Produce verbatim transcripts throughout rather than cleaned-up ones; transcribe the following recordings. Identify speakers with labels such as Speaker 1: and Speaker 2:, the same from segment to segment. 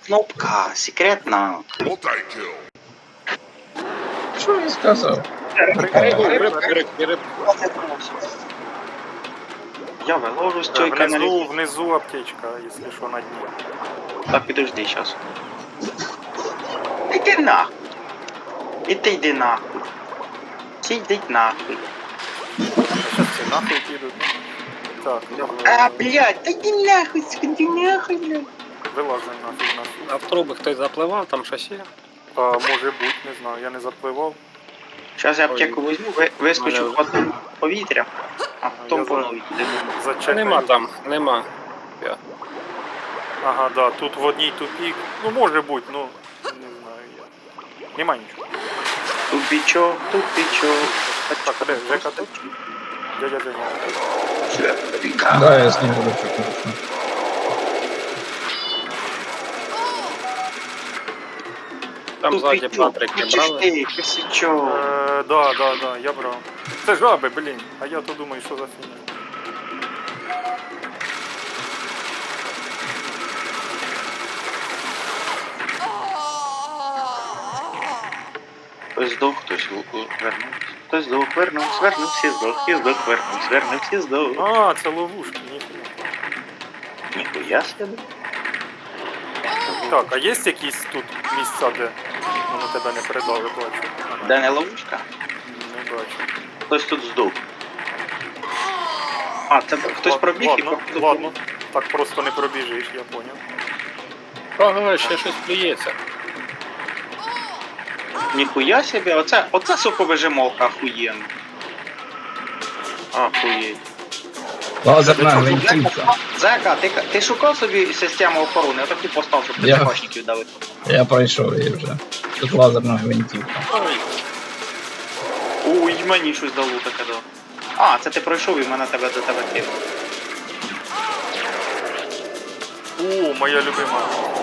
Speaker 1: Кнопка, секретна.
Speaker 2: Що він сказав?
Speaker 1: Я виложу з цієї
Speaker 3: Внизу,
Speaker 1: каналізації.
Speaker 3: внизу аптечка, якщо що на дні.
Speaker 1: Так, підожди зараз. Іди нахуй. І ти йди нахуй. Всі йдіть нахуй.
Speaker 3: Зараз всі нахуй підуть. Так,
Speaker 1: А, блядь, та йди нахуй, сука, йди нахуй, блядь.
Speaker 3: вилазимо нафіг нафіг.
Speaker 4: А в труби хтось запливав, там щось є?
Speaker 3: А, може бути, не знаю, я не запливав.
Speaker 1: Зараз я аптеку візьму, ви- вискочу в одне повітря, а потім
Speaker 3: Я
Speaker 1: по
Speaker 3: за-
Speaker 1: новій йду.
Speaker 3: Зачекай.
Speaker 4: Нема там, нема. Я.
Speaker 3: Ага, да, тут в одній тупік. Ну може бути, ну не знаю я. Нема нічого.
Speaker 1: Тупічок, тупічок.
Speaker 3: Так, а де? Жека тут? Дядя Женя.
Speaker 2: Да, я з ним буду чекати.
Speaker 4: Там ззаді Патрики брали.
Speaker 1: Ти, косячок.
Speaker 3: Е, да, да, да, я брав. Це жаби, блін. А я то думаю, що за фігня.
Speaker 1: Хтось здох, хтось у- у- вернувся. Хтось здох, вернувся, вернувся, здох, і здох, вернувся, вернувся, здох.
Speaker 3: А, це ловушки, ніхуя.
Speaker 1: Ніхуя собі.
Speaker 3: Так, а є якісь тут місця, де воно тебе не передали, бачу? Ага,
Speaker 1: Де не ловушка?
Speaker 3: не бачу.
Speaker 1: Хтось тут здох. А, це хтось
Speaker 3: Лад-
Speaker 1: пробіг і
Speaker 3: ладно,
Speaker 1: по-
Speaker 3: ладно. Так просто не пробіжиш, я поняв.
Speaker 4: Ага, ще щось плюється.
Speaker 1: Ніхуя собі, оце, оце соковижималка охуєнна. Охуєть.
Speaker 2: Лазерна
Speaker 1: Ти що,
Speaker 2: гвинтівка.
Speaker 1: Зека, ти, ти шукав собі систему охорони, я таку постав, щоб
Speaker 2: Я-
Speaker 1: ТЦКшників давити.
Speaker 2: Я пройшов її вже. Тут лазерна гвинтівка.
Speaker 1: Ой. Ой, мені щось дало таке дало. А, це ти пройшов і мене тебе до тебе кинув.
Speaker 3: О, моя любима.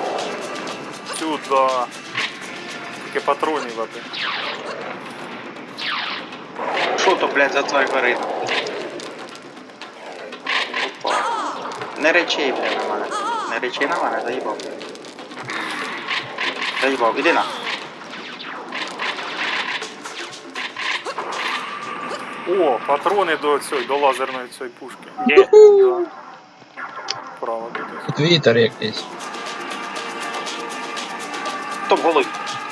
Speaker 3: Сюда. Тільки патронів, аби.
Speaker 1: Що то, блядь, за твій горить? Опа. Не речей, блядь, на мене. Не речей на мене, заїбав. Заїбав, іди на.
Speaker 3: О, патрони до цієї, до лазерної цієї пушки.
Speaker 4: Є.
Speaker 3: Да. Право десь.
Speaker 2: Тут вітер якийсь.
Speaker 1: Стоп, голий.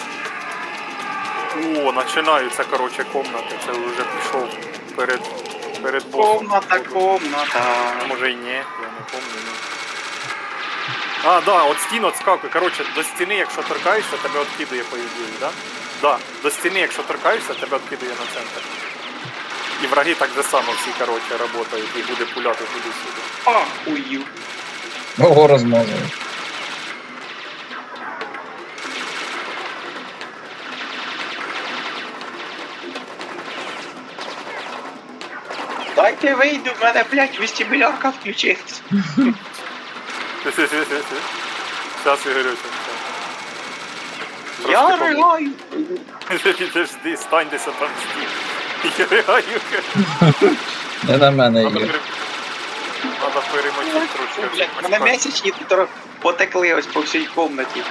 Speaker 3: О, починаються, короче, комнати. Це вже пішов перед, перед босом.
Speaker 1: Комната, комната.
Speaker 3: А може і ні, я не пам'ятаю. Ну. А, да, от стін отскакує. Короче, до стіни, якщо торкаєшся, тебе откидує по ідеї, да? Да, до стіни, якщо торкаєшся, тебе откидує на центр. І враги так же само всі, короче, работають і буде пуляти туди-сюди.
Speaker 1: Ахую.
Speaker 2: Ого, розмазали.
Speaker 1: Дайте вийду, в мене, блядь, вестибулярка включилась.
Speaker 3: Зараз, Ігорюся.
Speaker 1: Я ригаю.
Speaker 3: Підожди, стань десь там стій. Я ригаю.
Speaker 2: Не на мене
Speaker 3: Надо,
Speaker 2: їх.
Speaker 3: пере... Надо перемочити трошки.
Speaker 1: Блядь, в мене місячні тут потекли ось по всій комнаті.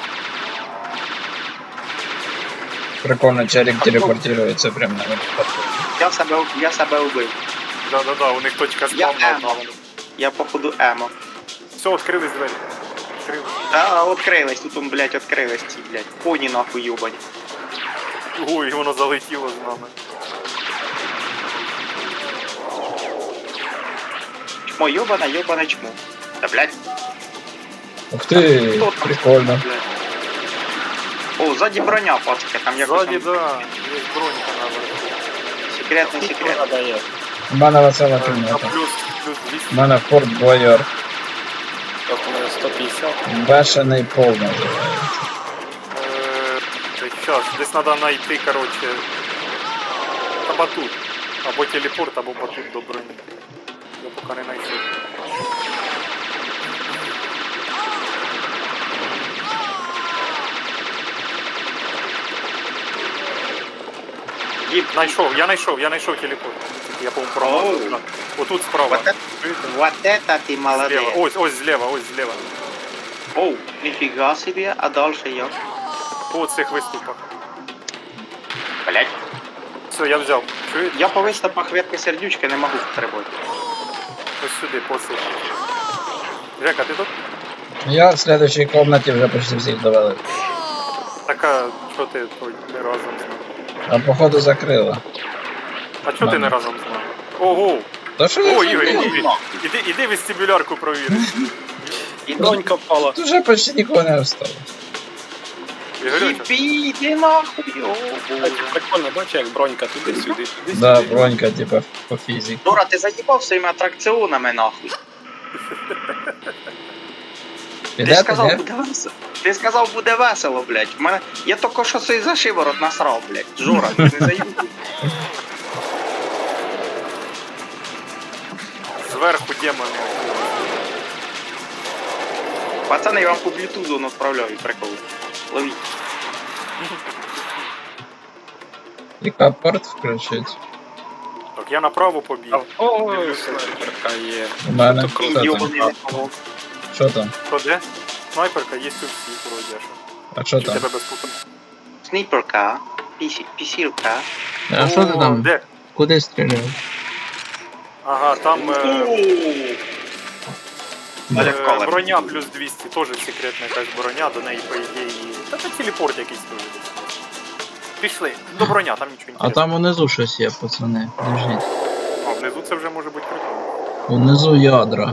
Speaker 2: Прикольно, Черік телепортується прямо на випадку.
Speaker 1: Я себе, я себе убив.
Speaker 3: Да-да-да, у них точка
Speaker 1: Я
Speaker 3: спавна
Speaker 1: емо.
Speaker 3: одна.
Speaker 1: Я походу емо.
Speaker 3: Все, відкрились двері. Відкрились.
Speaker 1: А, открилась, тут он, блядь, открилась ці, блядь. Поні нахуй юбані.
Speaker 3: Ой, воно залетіло з нами.
Speaker 1: Чмо юбана, юбана чмо. Та, блядь,
Speaker 2: Ух ти,
Speaker 1: хто там?
Speaker 2: прикольно.
Speaker 1: Блядь. О, ззаді броня, пацки, там якось
Speaker 3: Ззаді,
Speaker 1: там
Speaker 3: да, є бронька на верху.
Speaker 1: секретний секрет.
Speaker 4: Дає.
Speaker 2: У мене весела
Speaker 3: А
Speaker 2: кімната.
Speaker 3: плюс, плюс двісті.
Speaker 2: У мене Форт Бойор.
Speaker 4: Тут у мене сто п'ятдесят.
Speaker 2: Бешений пол називається.
Speaker 3: Сейчас, десь треба знайти, короче, та батут. Або телепорт, або батут до броні. Я поки не знайшов.
Speaker 1: Діп,
Speaker 3: Знайшов, я знайшов, я знайшов телепорт. Я, по-моему, промазав.
Speaker 1: Оу.
Speaker 3: Отут справа.
Speaker 1: Вот это, вот это ты
Speaker 3: Зліва.
Speaker 1: молодец.
Speaker 3: Ось, ось зліва, ось зліва.
Speaker 1: Оу, ніфіга собі, а дальше як?
Speaker 3: По цих виступах.
Speaker 1: Блять.
Speaker 3: Все, я взяв. Чуєте?
Speaker 1: Я по виступах ветки сердючки не можу стрибати.
Speaker 3: Ось сюди, по цих. Жека, ти тут?
Speaker 2: Я в следующей комнате вже почти всіх довели.
Speaker 3: Така, що ти той не разом з нами?
Speaker 2: А походу закрила.
Speaker 3: А чого ти не разом з нами? Ого!
Speaker 2: Та що
Speaker 3: О,
Speaker 2: я
Speaker 3: Ігор,
Speaker 2: забув?
Speaker 3: іди, іди, іди вестибулярку провіри.
Speaker 1: І
Speaker 4: Бронька впала.
Speaker 2: Тут вже почти нікого не осталось.
Speaker 3: Ігорюча,
Speaker 1: Їбі, іди нахуй, о
Speaker 4: Так,
Speaker 1: боже.
Speaker 4: прикольно, бачиш, як бронька туди-сюди, туди-сюди.
Speaker 2: Да, бронька, типа, по фізиці.
Speaker 1: Дора, ти заїбав своїми атракціонами нахуй. Ти
Speaker 2: Підете,
Speaker 1: сказав,
Speaker 2: ні?
Speaker 1: буде весело. Ти сказав, буде весело, блядь. В мене... Я тільки що цей за шиворот насрав, блядь. Жора, ти не заїбав.
Speaker 3: зверху демони.
Speaker 1: Пацани, я вам по блютузу відправляю, прикол. Ловіть.
Speaker 2: І капорт включить.
Speaker 3: Так, я направо побіг.
Speaker 4: Ой, снайперка є.
Speaker 2: У мене.
Speaker 4: Тут
Speaker 2: Що
Speaker 4: круто.
Speaker 1: Ідіот,
Speaker 2: там?
Speaker 1: не помог.
Speaker 2: Що там?
Speaker 3: Що де? Снайперка є у всіх вроді. а що?
Speaker 2: А що
Speaker 3: Чи
Speaker 2: там?
Speaker 3: тебе без пути?
Speaker 1: Снайперка, пісі- пісілка.
Speaker 2: А що ти
Speaker 3: О,
Speaker 2: там?
Speaker 3: Де?
Speaker 2: Куди стріляв?
Speaker 3: Ага, там е,
Speaker 1: Оля
Speaker 3: е,
Speaker 1: Колер.
Speaker 3: броня плюс двісті, теж секретна якась броня, до неї, по ідеї. Та це телепорт якийсь теж десь. Пішли, до броня, там нічого
Speaker 2: А
Speaker 3: інтересного.
Speaker 2: там унизу щось є, пацани. Держіть.
Speaker 3: А внизу це вже може бути прикольно.
Speaker 2: Унизу ядра.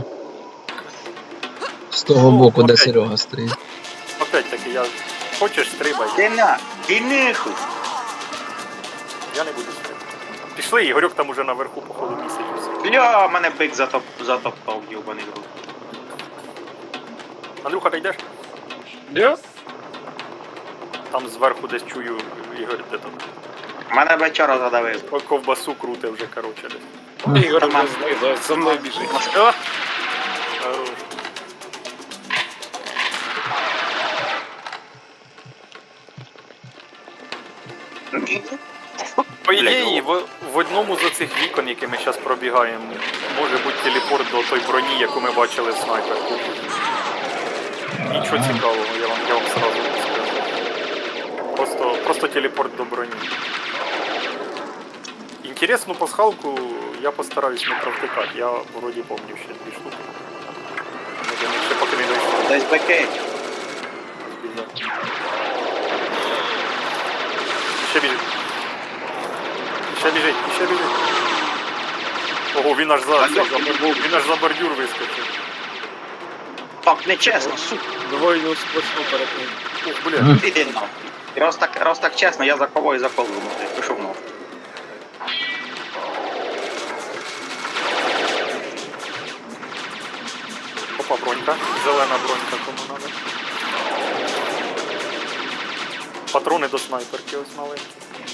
Speaker 2: З того
Speaker 3: О,
Speaker 2: боку, де
Speaker 3: окей.
Speaker 2: Серега стоїть.
Speaker 3: Опять таки, я. Хочеш стрибай,
Speaker 1: Ти на, ти нахуй.
Speaker 3: я не буду стрибати. Пішли, Ігорьок там уже наверху, походу, місяць. усі.
Speaker 1: Бля, мене бик затоп, затоптав, йобаний гру.
Speaker 3: Андрюха, ти йдеш?
Speaker 4: Де?
Speaker 3: Там зверху десь чую Ігор, де там.
Speaker 1: Мене вечора задавив.
Speaker 3: О, ковбасу круте вже, короче, десь.
Speaker 4: Ігор
Speaker 1: Нормально.
Speaker 4: не знизу, за мною біжить.
Speaker 3: А! Хорош. По ідеї, в, в одному з оцих вікон, які ми зараз пробігаємо, може бути телепорт до той броні, яку ми бачили в снайперку. Нічого цікавого, я вам, я вам сразу не скажу. Просто, просто телепорт до броні. Інтересну пасхалку я постараюсь не провтикати. Я вроді пам'ятаю ще дві штуки. Ми до них ще поки не дійшли.
Speaker 1: Десь беки.
Speaker 3: Ще біжить. Ще біжить, ще біжить. Ого, він аж за,
Speaker 1: Та
Speaker 3: цей,
Speaker 1: ля,
Speaker 3: за бордюр, він аж за бордюр вискочив.
Speaker 1: Так, нечесно, сука.
Speaker 4: Двойну сплошну перетнув.
Speaker 3: Ух, бля.
Speaker 2: Мгм.
Speaker 1: Іди нахуй. Раз так, раз так чесно, я за кого і за кого ну, пішов нахуй.
Speaker 3: Опа, бронька. Зелена бронька, кому надо. Патрони до снайперки ось маленькі.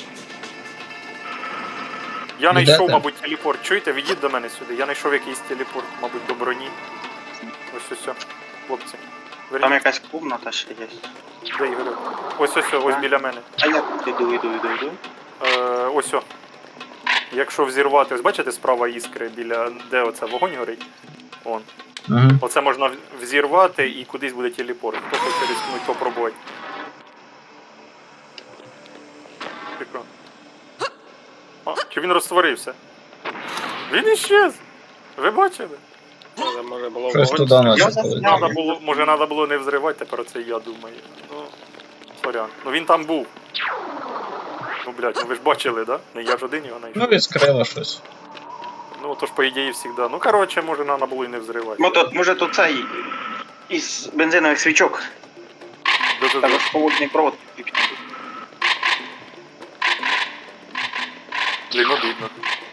Speaker 3: Я
Speaker 2: Йдете?
Speaker 3: знайшов, мабуть, телепорт. Чуєте, відіть до мене сюди. Я знайшов якийсь телепорт, мабуть, до броні. Ось ось, ось. Хлопці.
Speaker 1: Там
Speaker 3: Верніть.
Speaker 1: якась комната ще є.
Speaker 3: Де Ігорю? Ось ось, ось біля мене.
Speaker 1: А я тут іду, іду, іду, іду.
Speaker 3: Е, ось о. Якщо взірвати, ось бачите справа іскри біля де оце вогонь горить? Вон.
Speaker 2: Угу.
Speaker 3: Оце можна в- взірвати і кудись буде телепорт. Хто хоче рискнуть попробувати. Прикольно. А, чи він розтворився? Він іщез! Ви бачили?
Speaker 4: Може, може було
Speaker 2: Щось
Speaker 4: вогонь.
Speaker 2: туди
Speaker 1: Я
Speaker 2: наче
Speaker 1: засняв.
Speaker 2: полетіло.
Speaker 3: Надо було, може треба було не взривати, тепер це я думаю. Ну, сорян. Ну він там був. Ну, блядь, ну ви ж бачили, да? Не я ж один його знайшов.
Speaker 2: Ну, відскрила щось.
Speaker 3: Ну, то ж, по ідеї, завжди. Ну, коротше, може, треба було і не взривати.
Speaker 1: Ну, тут, може тут цей із бензинових свічок.
Speaker 3: Дуже
Speaker 1: Там ж холодний провод.
Speaker 3: Блін, обідно.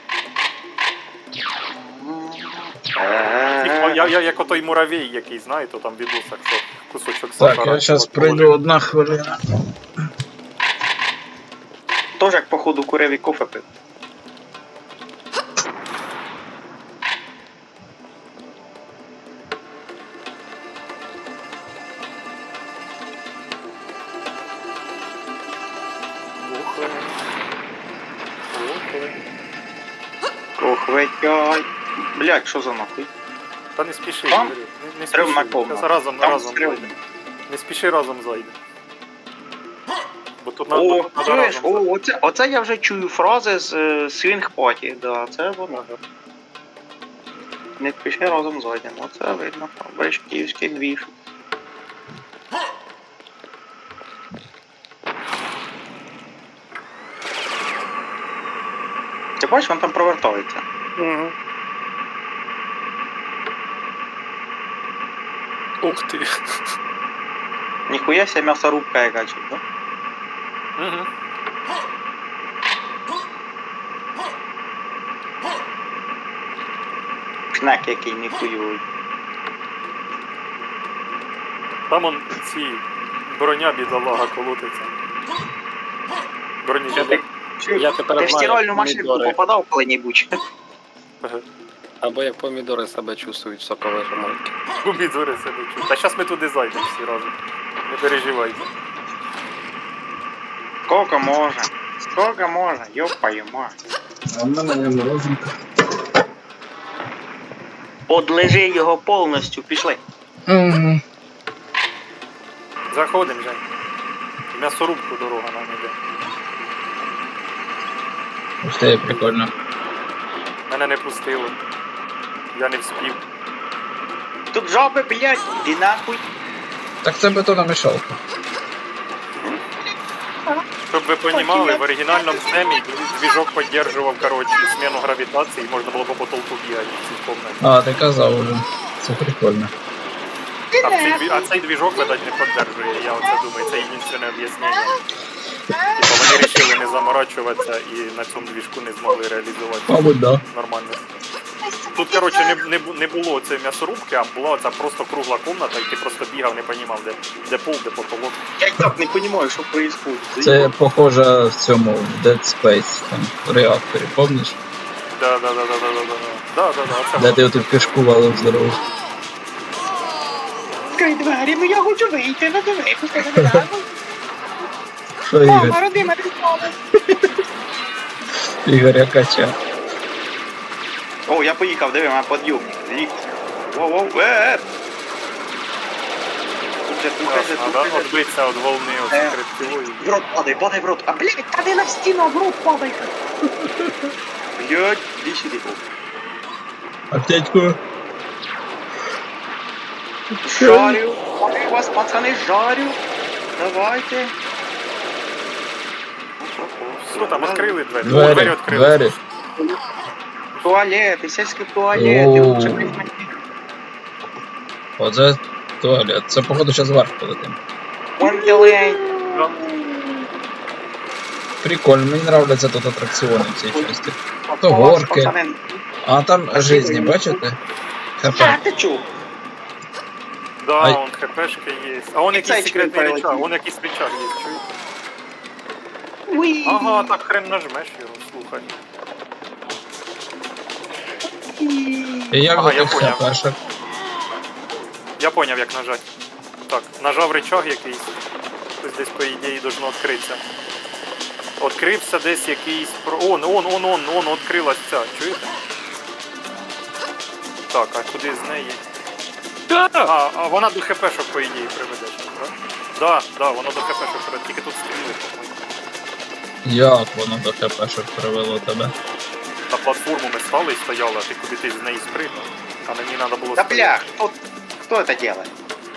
Speaker 1: Е,
Speaker 3: Я, я як отой муравей, який, знаєте, там в відосах, що кусочок
Speaker 2: Так,
Speaker 3: сахара.
Speaker 2: я зараз
Speaker 3: от
Speaker 2: пройду
Speaker 3: положив.
Speaker 2: одна хвилина.
Speaker 1: Тож як походу курив і кофе пив.
Speaker 3: Охай. Охай.
Speaker 1: Ох, ветяй. Блять, що за нахуй?
Speaker 3: Та не спіши,
Speaker 1: Там?
Speaker 3: Юрій, не, не
Speaker 1: Стрим
Speaker 3: спіши.
Speaker 1: на комнату.
Speaker 3: Зараз разом,
Speaker 1: Там
Speaker 3: разом
Speaker 1: стрим.
Speaker 3: зайде. Не спіши, разом зайде. Бо тут надо,
Speaker 1: О,
Speaker 3: надо
Speaker 1: чуєш,
Speaker 3: разом
Speaker 1: о,
Speaker 3: зайти.
Speaker 1: оце, оце я вже чую фрази з е, Swing Party, да, це воно.
Speaker 3: Ага.
Speaker 1: Не спіши разом зайдемо, оце видно, бачиш, київський двіж. Ти бачиш, він там провертається.
Speaker 4: Угу. Ух ти.
Speaker 1: Ніхуя ся м'ясорубка яка чуть, да?
Speaker 3: Угу.
Speaker 1: Шнек який ніхуйовий.
Speaker 3: Там он ці броня бідолага колотиться. Броні
Speaker 1: Ти,
Speaker 3: бідолага.
Speaker 4: Я тепер
Speaker 1: ти в
Speaker 4: знаю,
Speaker 1: стиральну
Speaker 4: як
Speaker 1: машинку
Speaker 4: помідори.
Speaker 1: попадав коли-небудь?
Speaker 4: Або як помідори себе чувствують в соковижимальці.
Speaker 3: Помідори себе чують. Та зараз ми туди зайдемо всі разом. Не переживайте.
Speaker 1: Сколько можна? Сколько можна? Ёпаю мать.
Speaker 2: А в мене є морозинка.
Speaker 1: Подлежи його повністю, пішли.
Speaker 2: Угу.
Speaker 3: Заходимо, Жень. В м'ясорубку дорога нам іде.
Speaker 2: Ух ти, прикольно.
Speaker 3: Мене не пустило. Я не вспів.
Speaker 1: Тут жаби, блядь, іди нахуй.
Speaker 2: Так це бетономішалка.
Speaker 3: Щоб ви розуміли, в оригінальному семі двіжок підтримував, коротше, зміну гравітації, і можна було по потолку бігати в цій кімнаті.
Speaker 2: А, ти казав уже. Це прикольно.
Speaker 3: А цей, дві- а цей двіжок, видать, не підтримує, я оце думаю, це єдине об'яснення. Типа вони вирішили не заморачуватися і на цьому двіжку не змогли реалізувати
Speaker 2: Мабуть, да.
Speaker 3: нормально. Тут, коротше, не, не, бу- не було цієї м'ясорубки, а була ця просто кругла кімната, і ти просто бігав, не розумів, де, де пол, де потолок.
Speaker 1: Я й так не розумію, що происходит.
Speaker 2: Це похоже в цьому в Dead Space, там, в реакторі, помниш?
Speaker 3: Да, да, да, да, да, да, да. Да, да, да, оце
Speaker 2: Де
Speaker 3: воно.
Speaker 2: ти отут кишку валив здорову.
Speaker 1: Відкрий двері, ну я хочу вийти, ну диви, пусти мене нахуй.
Speaker 2: Що
Speaker 1: Мама,
Speaker 2: Ігор?
Speaker 1: родима, ти впала.
Speaker 2: Ігоря кача.
Speaker 1: О, я поїхав, диви, мене под'юб. Ліфт. Воу-воу, е Тут же, тут же,
Speaker 3: Ясно, да?
Speaker 1: тут же.
Speaker 3: Отбитися від волни
Speaker 1: Е.
Speaker 3: от хребтової.
Speaker 1: В рот падай, падай в рот. А, блядь, та не на стіну, в рот падай. Блядь, іди сюди.
Speaker 2: Аптечку.
Speaker 1: Жарю. Жарю вас, пацани, жарю. Давайте.
Speaker 3: Все, там відкрили двері. О,
Speaker 2: Двері,
Speaker 3: двері відкрили.
Speaker 2: двері.
Speaker 1: Туалети, сільські туалети,
Speaker 2: Оу.
Speaker 1: лучше приймати.
Speaker 2: Оце туалет. Це, походу, зараз вверх полетим.
Speaker 1: Вандерлейн.
Speaker 3: Да.
Speaker 2: Прикольно, мені нравляться тут атракціони в цій часті. То
Speaker 1: Клас,
Speaker 2: горки.
Speaker 1: пацани.
Speaker 2: А там жизні, бачите? ХП.
Speaker 1: А, ти чув?
Speaker 3: Да,
Speaker 2: Ай.
Speaker 3: он хпшка є. А он
Speaker 1: І
Speaker 3: якийсь
Speaker 1: цей
Speaker 3: секретний
Speaker 1: член
Speaker 3: рычаг,
Speaker 1: прилетів.
Speaker 3: он якийсь рычаг є, чуєш?
Speaker 1: Уй.
Speaker 3: Ага, так хрен нажмеш його, слухай.
Speaker 2: І як
Speaker 3: Ага,
Speaker 2: до
Speaker 3: я
Speaker 2: тих
Speaker 3: поняв.
Speaker 2: ХПшок?
Speaker 3: Я поняв, як нажати. Так, нажав рычаг якийсь. Ось десь, по ідеї, должно відкритися. Відкрився десь якийсь... про- Он, он, он, он, он, відкрилась ця, чуєте? Так, а куди з неї? А, а вона до хпшок, по ідеї, приведе, так? Да, да, воно до хпшок приведе, тільки тут стріли, по-моєму.
Speaker 2: Як воно до ХПшок привело тебе?
Speaker 3: На платформу ми стали і стояли, а ти куди ти з неї спригнув, а мені треба було
Speaker 1: Да
Speaker 3: стояти.
Speaker 1: бля, кто, кто это делает?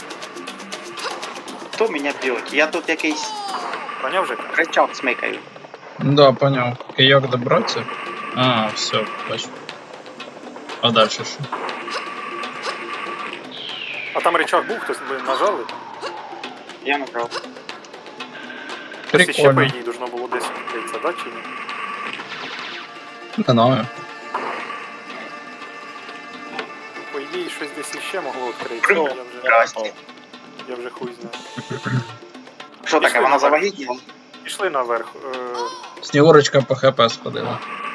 Speaker 1: Кто меня бьет? Я тут якийсь
Speaker 3: Поняв вже?
Speaker 1: рычаг смикаю.
Speaker 2: Да, поняв. І як добратися? А, все, бачу. А далі що?
Speaker 3: А там рычаг був, хтось ви нажали?
Speaker 1: Я набрав.
Speaker 3: Тобто ще по
Speaker 2: Прикольно.
Speaker 3: ідеї должно було десь відкритися, да, чи ні?
Speaker 2: Не знаю.
Speaker 3: По ідеї щось десь іще могло відкритися, я вже,
Speaker 1: Здрасте.
Speaker 3: я вже хуй знаю.
Speaker 1: Що таке,
Speaker 3: Пішли
Speaker 1: вона
Speaker 3: наверх.
Speaker 1: завагітніла?
Speaker 3: Пішли наверх. Е,
Speaker 2: Снігурочка по ХП сходила.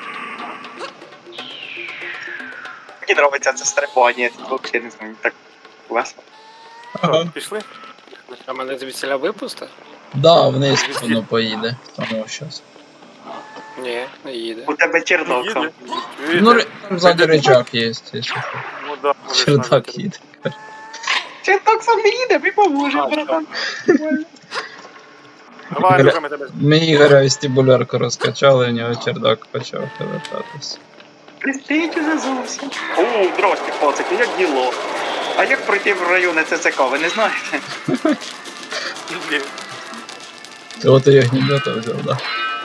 Speaker 1: Мені подобається це стрибання, тут взагалі не знаю, так весело.
Speaker 2: Ага.
Speaker 3: Пішли?
Speaker 4: А мене звідсіля випусти?
Speaker 2: Да, вниз воно поїде. Тому щас.
Speaker 4: Ні, не їде.
Speaker 1: У тебе черновка.
Speaker 3: Їде?
Speaker 2: Ну, ри- там ззаді рычаг є, якщо що.
Speaker 3: Ну да, можеш
Speaker 2: Чердак
Speaker 3: нажати.
Speaker 2: їде.
Speaker 1: Чи так сам не їде, ми поможемо,
Speaker 4: А,
Speaker 1: братан.
Speaker 3: Давай,
Speaker 2: Гля-
Speaker 3: дуже ми тебе.
Speaker 2: Ми Ігоря вестибулярку розкачали, у нього чердак почав повертатись.
Speaker 1: Пристить уже зовсім. О, здрасте, пацики, як діло? А як пройти в райони ЦЦК, ви не знаєте?
Speaker 3: Ні.
Speaker 2: Ти от і огнемета взяв, да?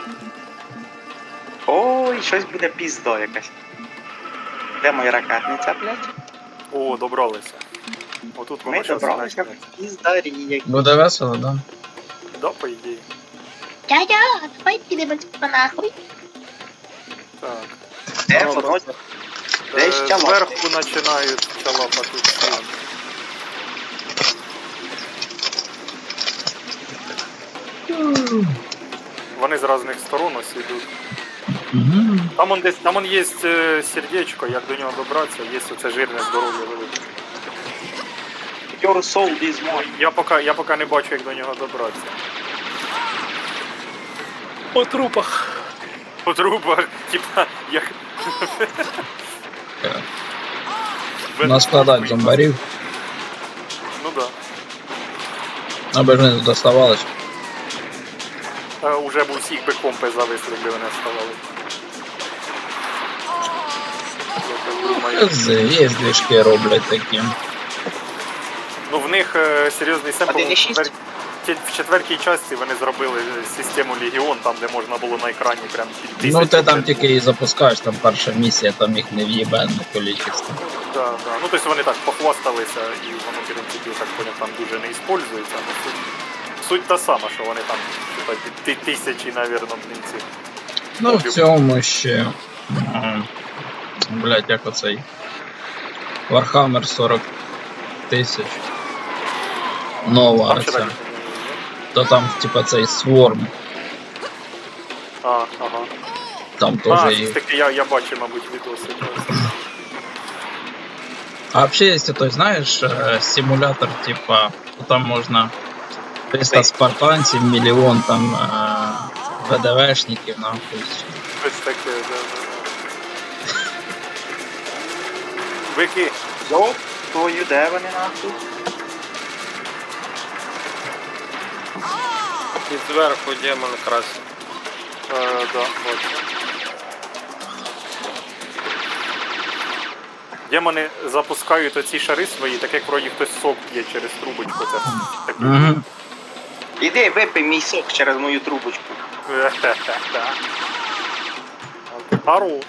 Speaker 1: Ой, щось буде пізда якась. Де моя ракетниця, блядь?
Speaker 3: О, добралися. Отут воно
Speaker 1: Ми
Speaker 3: щас
Speaker 1: добралися
Speaker 3: почне.
Speaker 1: в піздарі, як...
Speaker 2: Буде весело, да?
Speaker 3: Да, по ідеї.
Speaker 5: Дядя, давай підемо нахуй.
Speaker 3: Так.
Speaker 1: Де
Speaker 4: Ну,
Speaker 1: воно?
Speaker 3: Е,
Speaker 1: Десь чалапати.
Speaker 3: Зверху починають чалапати всі. Вони з різних сторон ось ідуть.
Speaker 2: Угу.
Speaker 3: Там он десь, там он є е, сердечко, як до нього добратися, є оце жирне здоров'я велике.
Speaker 1: Your soul is mine.
Speaker 3: Я поки, я поки не бачу, як до нього добратися.
Speaker 4: По трупах.
Speaker 3: По трубах, типа, як...
Speaker 2: Наскладати зомбарів,
Speaker 3: Ну да.
Speaker 2: аби ж не доставалось.
Speaker 3: Е, Уже б усіх би компи зависли, якби вони ставали. Я так думаю.
Speaker 2: З- Є движки роблять такі.
Speaker 3: Ну в них е, серйозний семпл.
Speaker 1: один і
Speaker 3: В,
Speaker 1: шість?
Speaker 3: четвер... ті- в четвертій часті вони зробили систему Легіон, там де можна було на екрані прям під тисячу.
Speaker 2: Ну ти там
Speaker 3: вже-
Speaker 2: тільки і запускаєш, там перша місія, там їх не в'єбенне кількість.
Speaker 3: Да, да. Ну тобто вони так похвасталися і воно в принципі, я так поняв, там дуже не іспользується. Ну, суть, суть та сама, що вони там типа, ти- тисячі, навірно, блінці.
Speaker 2: Ну в цьому ще. м, Блять, як оцей. Warhammer сорок тисяч. Нова
Speaker 3: Там ще
Speaker 2: ця.
Speaker 3: так.
Speaker 2: То там, типа, цей Swarm,
Speaker 3: А, ага.
Speaker 2: там
Speaker 3: А,
Speaker 2: теж
Speaker 3: щось
Speaker 2: є.
Speaker 3: таке, я, я бачив, мабуть, відоси.
Speaker 2: А вообще, если ты знаешь, э, симулятор, типа, там можно триста спартанців, мільйон там э, ВДВшників, нахуй.
Speaker 3: Щось таке, да, да. Вики,
Speaker 1: Йоп, твою, де вони нахуй?
Speaker 4: І зверху демон красить.
Speaker 3: е, да, бачу. Демони запускають оці шари свої, так як вроді хтось сок п'є через трубочку. Це так.
Speaker 2: Угу.
Speaker 1: Іди, випий мій сок через мою трубочку.
Speaker 3: Ару.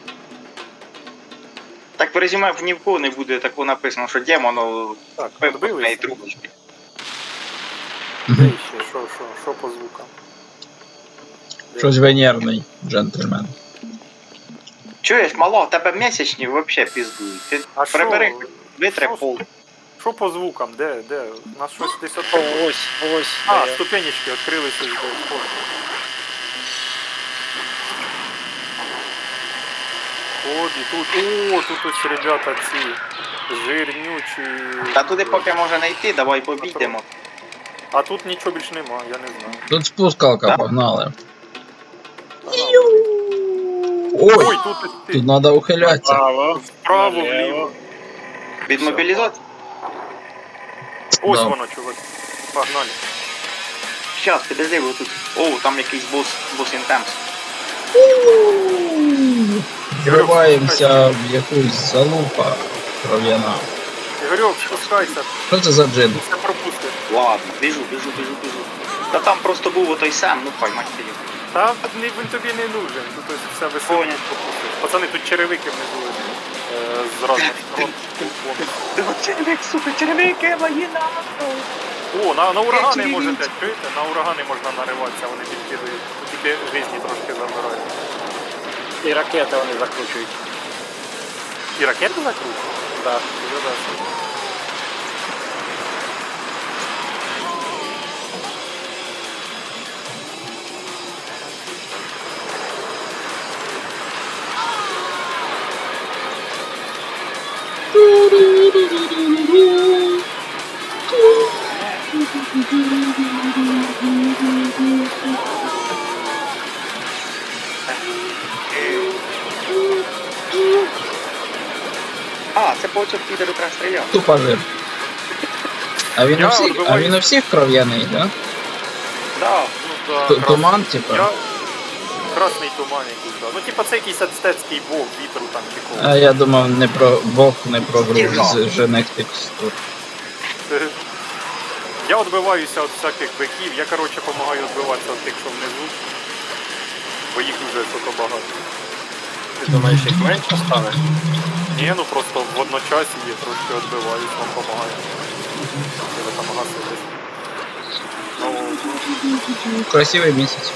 Speaker 1: Так в резюме ні в кого не буде такого написано, що демону
Speaker 3: Так,
Speaker 1: пив з
Speaker 3: відбилися.
Speaker 1: неї трубочки.
Speaker 3: Де ще? Що, що, що по звукам? Де?
Speaker 2: Щось венерний джентльмен.
Speaker 1: Чуєш, мало, в тебе місячні взагалі піздують. Ти
Speaker 3: А що?
Speaker 1: прибери, витри
Speaker 3: Що?
Speaker 1: пол.
Speaker 3: Що по звукам? Де? Де? У нас щось десь
Speaker 4: О,
Speaker 3: відкрилося.
Speaker 4: ось, ось.
Speaker 3: А,
Speaker 4: де.
Speaker 3: ступенечки відкрилися з боку. От і тут. О, тут ось ребята ці жирнючі.
Speaker 1: Та туди поки може не йти, давай побійдемо.
Speaker 3: А тут нічого більш нема, я не знаю.
Speaker 2: Тут спускалка,
Speaker 1: Так.
Speaker 2: погнали.
Speaker 3: Ага.
Speaker 2: Ой,
Speaker 3: Ой, тут ось ти.
Speaker 2: тут треба ухилятися.
Speaker 4: Право.
Speaker 3: Вправо,
Speaker 4: наліво.
Speaker 3: вліво.
Speaker 1: Від мобілізації?
Speaker 3: Ось
Speaker 2: Да.
Speaker 3: воно, чувак. Погнали.
Speaker 1: Щас, підожди, бо тут. О, там якийсь бос, бос інтемс.
Speaker 2: Вриваємося в якусь залупа кров'яна.
Speaker 3: Ігорьок, спускайся,
Speaker 2: Що це за джин?
Speaker 3: все пропустиш.
Speaker 1: Ладно, біжу, біжу, біжу, біжу. Та там просто був отой сам, ну поймать ти його.
Speaker 3: Та ні, він тобі не нужен, тут ось все весело
Speaker 1: Понял.
Speaker 3: пропустиш. Пацани, тут черевики внизу е, з разних сторон.
Speaker 1: Ти от червик, сука, червики, мої нахуй.
Speaker 3: О, на, на урагани
Speaker 1: Які
Speaker 3: можете, чуєте? На урагани можна нариватися, вони підкидують. Тут тільки жизні трошки забирають.
Speaker 4: І ракети вони закручують.
Speaker 3: І ракети закручують?
Speaker 4: Так.
Speaker 3: Вже да.
Speaker 1: А, це по цьому підеру треба стріляти.
Speaker 2: Тупо жир. А він
Speaker 3: Я
Speaker 2: у всіх, а
Speaker 3: відбиваюсь.
Speaker 2: він у всіх кров'яний, да?
Speaker 1: Да.
Speaker 3: Ну, да,
Speaker 2: Т-
Speaker 3: крас-
Speaker 2: Туман, типа.
Speaker 3: Я... Красний туман якийсь, да. Ну, типа, це якийсь ацтецький бог вітру там чи кого.
Speaker 2: А я думав не про Бог, не про гру
Speaker 1: Стіжа.
Speaker 2: з жених текстур.
Speaker 3: Я відбиваюся від всяких биків, я, коротше, допомагаю відбиватися від тих, що внизу. Бо їх дуже сука багато.
Speaker 4: Ти думаєш, їх менше стане?
Speaker 3: Ні, ну просто в одночасі є, трошки відбиваюсь, вам допомагаю. Ви там гаситесь. Ну,
Speaker 2: Красивий місяць.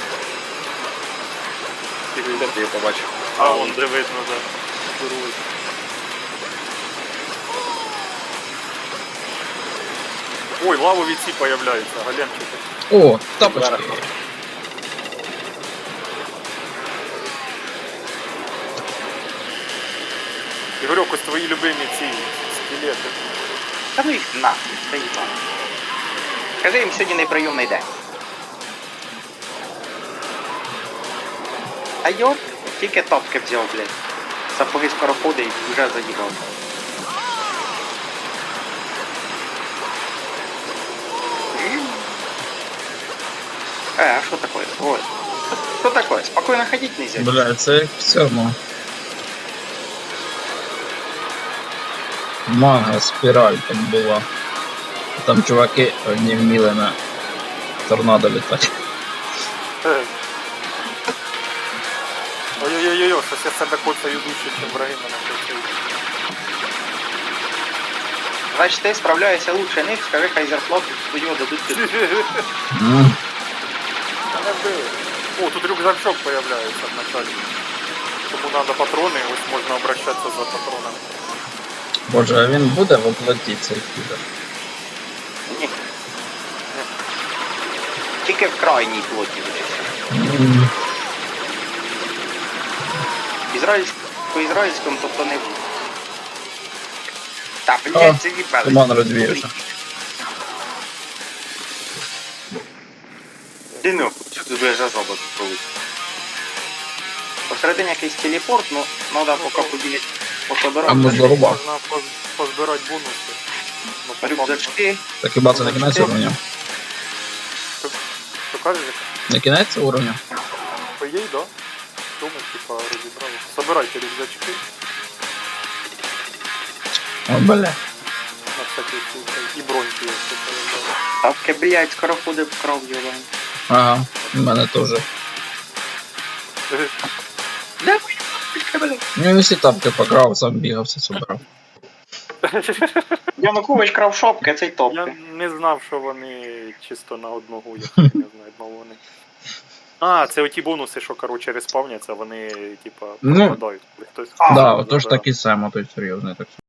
Speaker 3: і ви-
Speaker 4: Де ти її побачив?
Speaker 3: А, вон де видно, да. Здоровий. Ой, лавові ці появляються, галемчики.
Speaker 2: О, тапочки.
Speaker 4: Зверху.
Speaker 3: Ігорьок, ось твої любимі ці скелети.
Speaker 1: Та ну їх нахуй, та їбан. Кажи їм сьогодні неприйомний день. А йор, тільки тапки взяв, блядь. Сапоги скороходи і вже заїбав. Э, а что такое? Ой. Что такое? Спокойно ходить нельзя?
Speaker 2: Бля, це як в цьому. Манга, спіраль там була. Там чуваки одні вміли на торнадо літати.
Speaker 3: Е. Ой-ой-ой, щось я себе коцаю дужче, чим враги мене коцають.
Speaker 1: Значит, ты справляешься лучше них, скажи, хай зарплату свою дадут тебе.
Speaker 2: М,
Speaker 3: Мене вбили. О, тут рюкзачок появляється вначалі. Тому треба патрони, ось можна обращатися за патронами.
Speaker 2: Боже, а він буде в оплаті цей підер?
Speaker 1: Ні. Тільки в крайній плоті лише.
Speaker 2: М,
Speaker 1: Ізраїльськ... По ізраїльському тобто не буде. Та,
Speaker 2: О,
Speaker 1: блядь, це їбали.
Speaker 2: Туман розвіявся.
Speaker 1: Ти ну, що ти будеш за зробот проводити? Посередині якийсь телепорт, ну, треба поки побігати,
Speaker 2: А
Speaker 1: пособирати.
Speaker 2: ми зарубав.
Speaker 3: Можна поз- позбирати бонуси. Ну, по факту.
Speaker 1: Рюкзачки.
Speaker 2: Так хіба це не кінець уровня?
Speaker 3: Що кажеш? Жека?
Speaker 2: Не кінець уровня?
Speaker 3: По їй, да? Тому, типа, розібрали. Собирайте рюкзачки
Speaker 2: О, бля.
Speaker 3: на всякий случай. І броньки, якщо появляли.
Speaker 1: Тапки, блядь, скоро ходить в кров, йолан.
Speaker 2: Ага, в мене теж.
Speaker 1: Да, блядь, блядь.
Speaker 2: Ну, він всі тапки покрав, сам бігав, все собирав.
Speaker 1: Янукович крав шопки, а цей
Speaker 3: Я
Speaker 1: топки.
Speaker 3: не знав, що вони чисто на одного, я не знаю, одного вони. А, це оті бонуси, що, коротше, респавняться, вони, типа,
Speaker 2: Ну,
Speaker 3: пропадають. Хтось
Speaker 1: А,
Speaker 2: Да,
Speaker 3: забирає.
Speaker 2: отож такий само, той серйозний так.